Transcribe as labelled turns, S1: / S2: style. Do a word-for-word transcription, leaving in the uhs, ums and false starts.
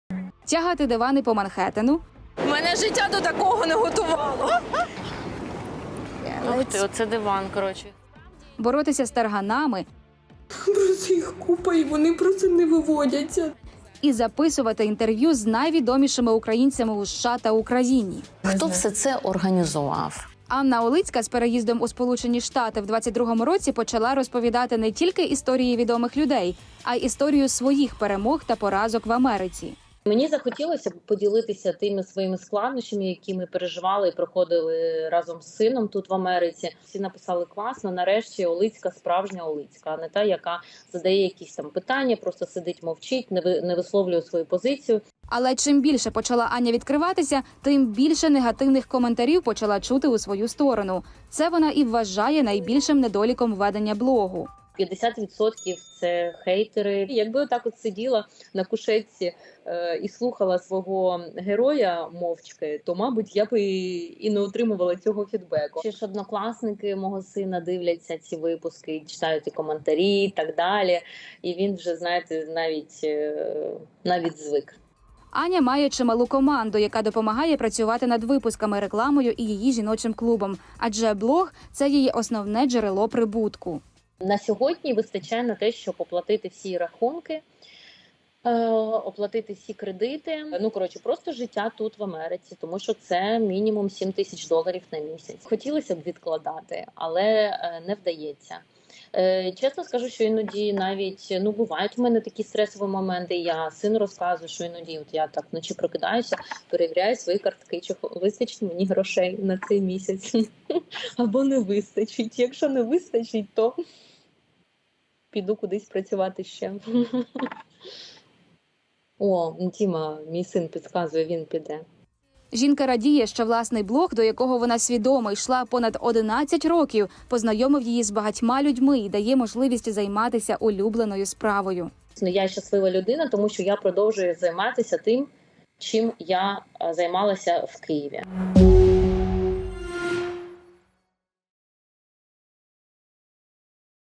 S1: Тягати дивани по Манхеттену.
S2: Мене життя до такого не готувало.
S3: Ух ти, оце диван, коротше.
S1: Боротися з тарганами.
S2: Просто їх купа, і вони просто не виводяться.
S1: І записувати інтерв'ю з найвідомішими українцями у США та Україні.
S3: Хто все це організував?
S1: Анна Олицька з переїздом у Сполучені Штати в двадцять другому році почала розповідати не тільки історії відомих людей, а й історію своїх перемог та поразок в Америці.
S4: Мені захотілося б поділитися тими своїми складнощами, які ми переживали і проходили разом з сином тут в Америці. Всі написали класно, нарешті Олицька справжня Олицька, а не та, яка задає якісь там питання, просто сидить, мовчить, не, ви, не висловлює свою позицію.
S1: Але чим більше почала Аня відкриватися, тим більше негативних коментарів почала чути у свою сторону. Це вона і вважає найбільшим недоліком ведення блогу.
S4: п'ятдесят відсотків це хейтери. Якби отак от сиділа на кушетці е, і слухала свого героя мовчки, то, мабуть, я б і, і не отримувала цього фідбеку. Ще ж однокласники мого сина дивляться ці випуски, читають і коментарі і так далі. І він вже, знаєте, навіть, е, навіть звик.
S1: Аня має чималу команду, яка допомагає працювати над випусками, рекламою і її жіночим клубом. Адже блог – це її основне джерело прибутку.
S4: На сьогодні вистачає на те, щоб оплатити всі рахунки, е, оплатити всі кредити. Ну, коротше, просто життя тут в Америці, тому що це мінімум сім тисяч доларів на місяць. Хотілося б відкладати, але е, не вдається. Е, чесно скажу, що іноді навіть, ну, бувають в мене такі стресові моменти. Я сину розказую, що іноді от я так вночі прокидаюся, перевіряю свої картки, чи вистачить мені грошей на цей місяць. Або не вистачить. Якщо не вистачить, то піду кудись працювати ще. О, Тіма, мій син підказує, він піде.
S1: Жінка радіє, що власний блог, до якого вона свідомо йшла понад одинадцять років, познайомив її з багатьма людьми і дає можливість займатися улюбленою справою.
S4: Я щаслива людина, тому що я продовжую займатися тим, чим я займалася в Києві.